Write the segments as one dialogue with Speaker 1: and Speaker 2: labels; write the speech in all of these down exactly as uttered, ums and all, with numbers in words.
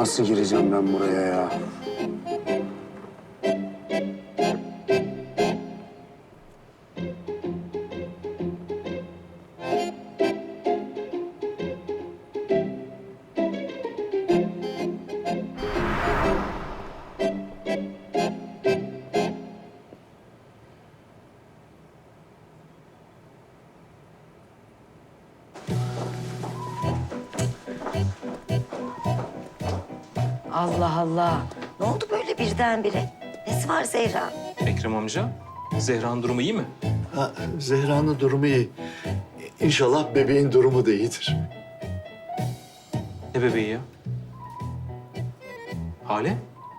Speaker 1: Nasıl gireceğim ben buraya ya?
Speaker 2: Allah Allah. Ne oldu böyle birdenbire? Nesi var Zehra?
Speaker 3: Ekrem amca, Zehra'nın durumu iyi mi?
Speaker 4: Ha, Zehra'nın durumu iyi. İnşallah bebeğin durumu da iyidir.
Speaker 3: Ne bebeği ya? Hale?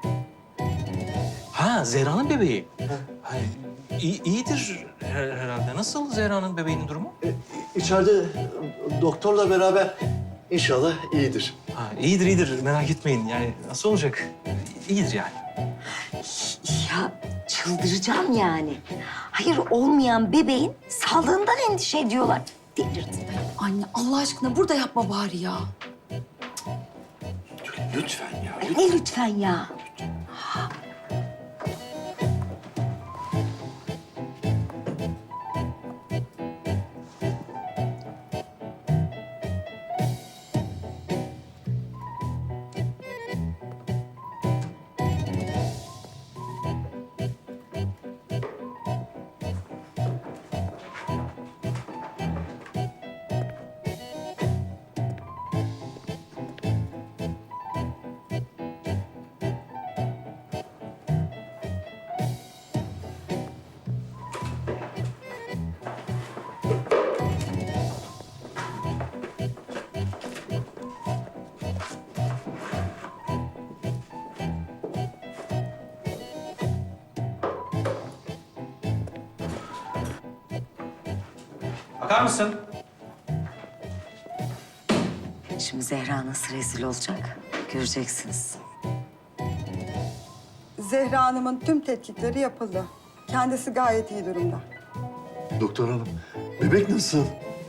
Speaker 3: Ha, Zehra'nın bebeği. Ha, iyi, iyidir her- herhalde. Nasıl Zehra'nın bebeğinin durumu?
Speaker 4: E, içeride doktorla beraber inşallah iyidir.
Speaker 3: Ha, iyidir, iyidir. Merak etmeyin. Yani nasıl olacak? İyidir yani.
Speaker 2: Ya çıldıracağım yani. Hayır olmayan bebeğin sağlığından endişe ediyorlar. Delirdim.
Speaker 5: Anne Allah aşkına burada yapma bari ya.
Speaker 4: Lütfen ya.
Speaker 2: Ay, ne lütfen ya?
Speaker 3: Bakar mısın?
Speaker 2: Şimdi Zehra nasıl rezil olacak? Göreceksiniz.
Speaker 6: Zehra Hanım'ın tüm tetkikleri yapıldı. Kendisi gayet iyi durumda.
Speaker 4: Doktor hanım, bebek nasıl?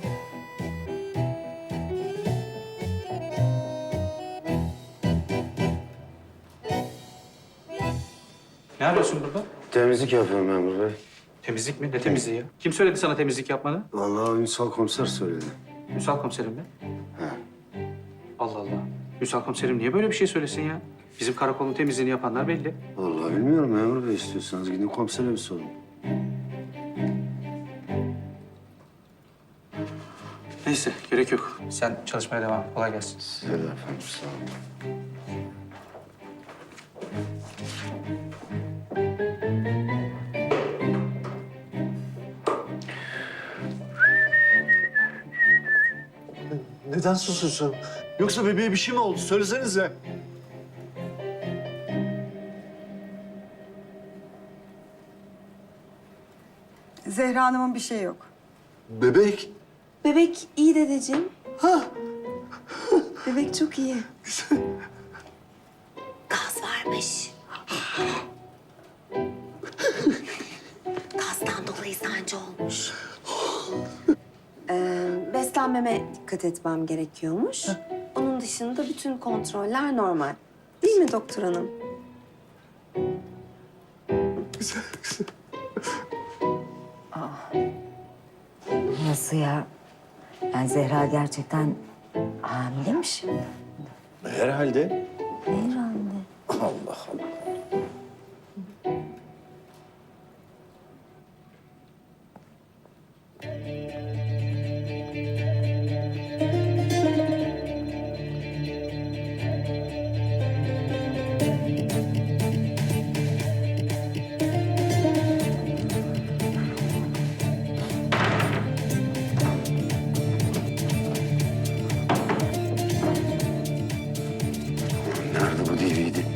Speaker 7: Ne arıyorsun burada?
Speaker 1: Temizlik yapıyorum memur bey.
Speaker 7: Temizlik mi? Ne temizliği ya? Kim söyledi sana temizlik yapmanı?
Speaker 1: Vallahi Ünsal komiser söyledi.
Speaker 7: Ünsal komiserim mi?
Speaker 1: He.
Speaker 7: Allah Allah. Ünsal komiserim niye böyle bir şey söylesin ya? Bizim karakolun temizliğini yapanlar belli.
Speaker 1: Vallahi bilmiyorum memur bey, istiyorsanız gidin komisere bir sorun.
Speaker 7: Neyse gerek yok. Sen çalışmaya devam et. Kolay gelsin.
Speaker 1: Size de efendim, sağ olun.
Speaker 4: Neden susuyorsun? Yoksa bebeğe bir şey mi oldu? Söylesenize.
Speaker 6: Zehra Hanım'ın bir şeyi yok.
Speaker 4: Bebek?
Speaker 5: Bebek iyi dedeciğim. Ha. Bebek çok iyi.
Speaker 2: Gaz varmış. Gazdan dolayı sancı olmuş.
Speaker 5: Ee, beslenmeme dikkat etmem gerekiyormuş. Onun dışında bütün kontroller normal. Değil mi doktor hanım?
Speaker 2: Nasıl ya? Yani Zehra gerçekten hamile mi şimdi?
Speaker 4: Herhalde.
Speaker 2: Herhalde.
Speaker 4: Allah Allah.
Speaker 1: Nerede bu D V D?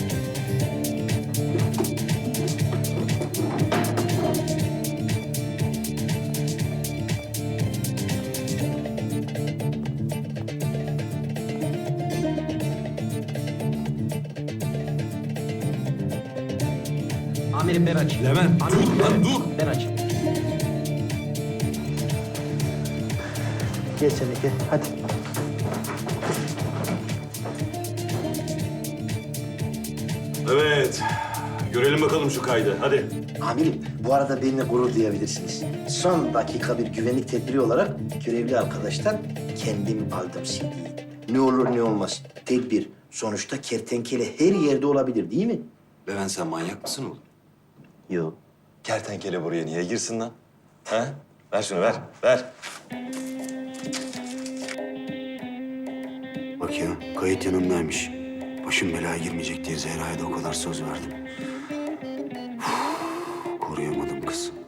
Speaker 8: Amirim ben aç.
Speaker 3: Levent, dur lan dur.
Speaker 8: Ben aç. Gel sen de gel. Hadi. Görelim bakalım şu kaydı. Hadi.
Speaker 1: Amirim, bu arada benimle gurur duyabilirsiniz. Son dakika bir güvenlik tedbiri olarak görevli arkadaştan kendim aldım C D'yi. Ne olur ne olmaz. Tedbir. Sonuçta kertenkele her yerde olabilir değil mi?
Speaker 8: Levent sen manyak mısın oğlum?
Speaker 1: Yok.
Speaker 8: Kertenkele buraya niye girsin lan? Ha? Ver şunu ver, ver.
Speaker 1: Bak ya, kayıt yanımdaymış. Başım belaya girmeyecek diye Zehra'ya da o kadar söz verdim. Uf, koruyamadım kız.